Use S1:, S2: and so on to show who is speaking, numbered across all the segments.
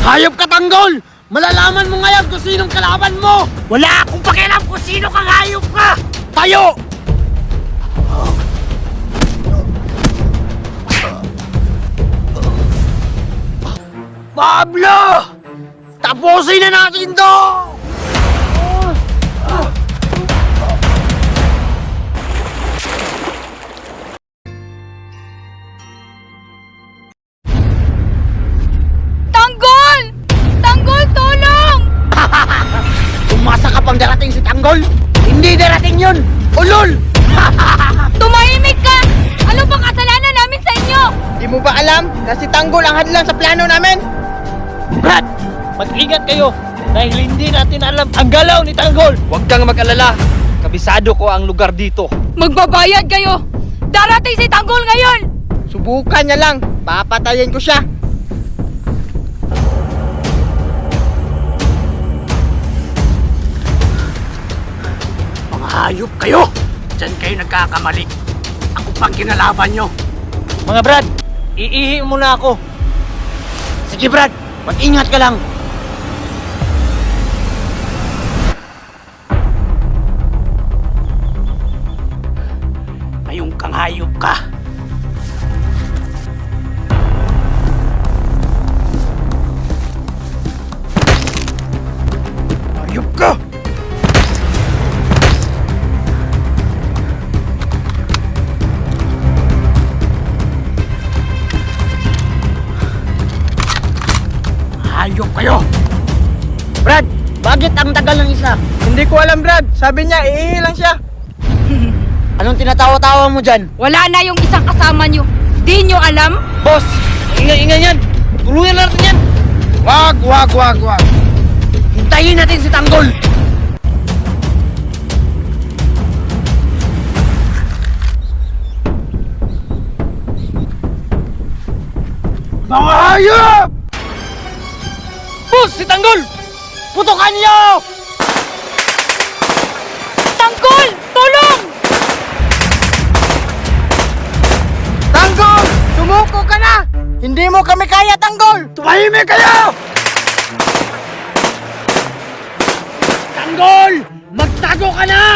S1: Hayop ka, Tanggol! Malalaman mo ngayon kung sinong kalaban mo! Wala akong pakialam kung sino kang hayop ka! Tayo! Pablo! Tapusin na natin to!
S2: Tanggol! Tanggol, tulong!
S1: Umasa ka pang darating si Tanggol? Hindi darating yun! Ulol!
S2: Tumahimik ka! Ano bang kasalanan namin sa inyo?
S3: Di mo ba alam na si Tanggol ang hadlang sa plano namin?
S1: Brad! Mag-ingat kayo! Dahil hindi natin alam ang galaw ni Tanggol!
S4: Huwag kang mag-alala. Kabisado ko ang lugar dito.
S2: Magbabayad kayo! Darating si Tanggol ngayon!
S3: Subukan niya lang. Papatayin ko siya.
S1: Mga hayop kayo! Diyan kayo nagkakamali. Ako pang kinalaban nyo.
S4: Mga Brad, iihi muna ako.
S1: Sige, Brad! Mag-ingat ka lang! Ngayong kang hayop ka. Hayop ka! Hayop kayo!
S3: Brad, bakit ang tagal ng isa? Hindi ko alam, Brad. Sabi niya, iihi lang siya.
S1: Anong tinatawa-tawa mo dyan?
S2: Wala na yung isang kasama nyo. Di nyo alam?
S4: Boss, ingay-ingay yan. Tulungan natin yan.
S1: Wag! Hintayin natin si Tanggol! Mga hayop!
S4: Boss, si Tanggol!
S1: Putukan niyo!
S2: Tanggol! Tulong!
S3: Tanggol! Sumuko ka na! Hindi mo kami kaya, Tanggol!
S1: Tumahimik kayo! Tanggol! Magtago ka na!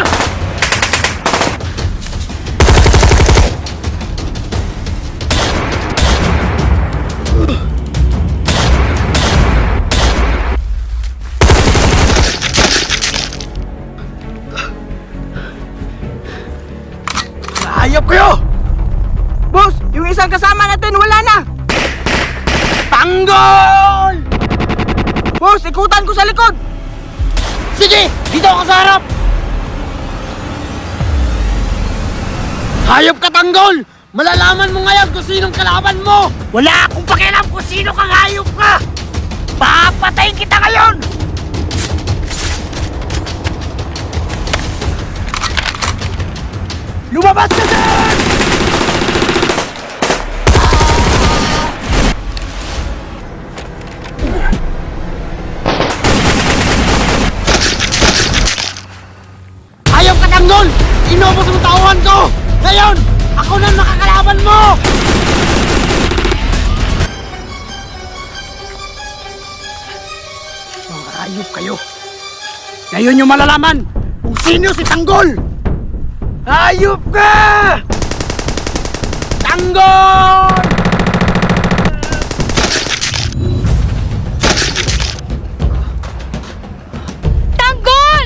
S1: Hayop kayo!
S3: Boss, yung isang kasama natin wala na!
S1: Tanggol!
S3: Boss, ikutan ko sa likod!
S1: Sige! Dito ako sa harap! Hayop ka, Tanggol! Malalaman mo ngayon kung sinong kalaban mo! Wala akong pakialam kung sino kang hayop ka! Papatayin kita ngayon! Lumabas ka dyan! Hayop ka, Tanggol! Inubos mo tauhan ko! Ngayon, ako na nakakalaban mo! Mga hayop kayo! Ngayon yung malalaman kung sino si Tanggol! Hayop ka! Tanggol!
S2: Tanggol!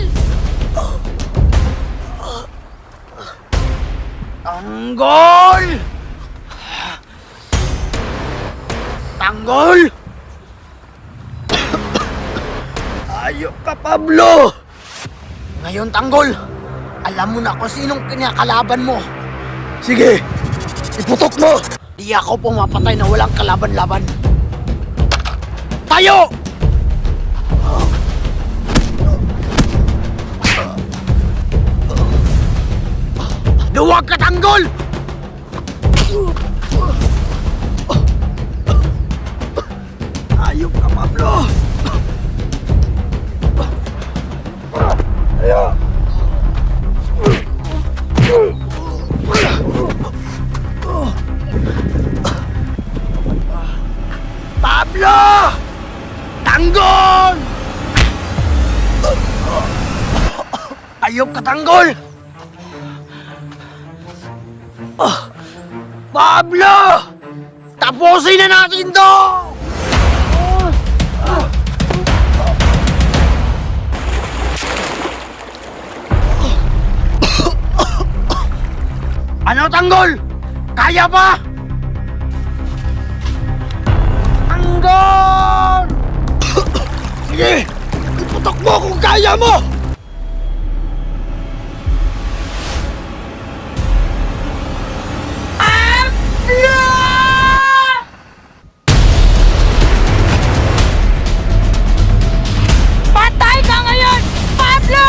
S1: Tanggol! Tanggol! Ayok ka, Pablo! Ngayon, Tanggol, alam mo na kung sinong kinakalaban mo. Sige, iputok mo! Di ako pumapatay na walang kalaban-laban. Tayo! Duwag ka, Tanggol! Ayok ka, Pablo! Pablo! Tanggol! Ayop ka, Tanggol! Pablo! Tapusin na natin to! Ano, Tanggol? Kaya pa? Tanggol! Sige! Iputok mo kung kaya mo!
S2: Patay ka ngayon, Pablo!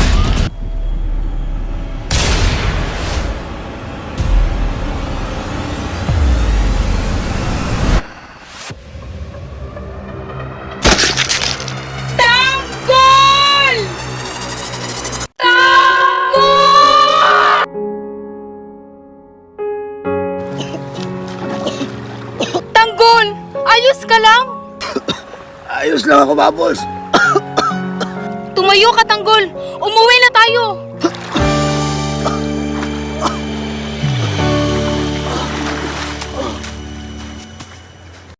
S2: Tanggol! Tanggol! Tanggol! Ayos ka lang?
S1: Ayos lang ako, Bubbles.
S2: Tumayo ka, Tanggol! Umuwi na tayo!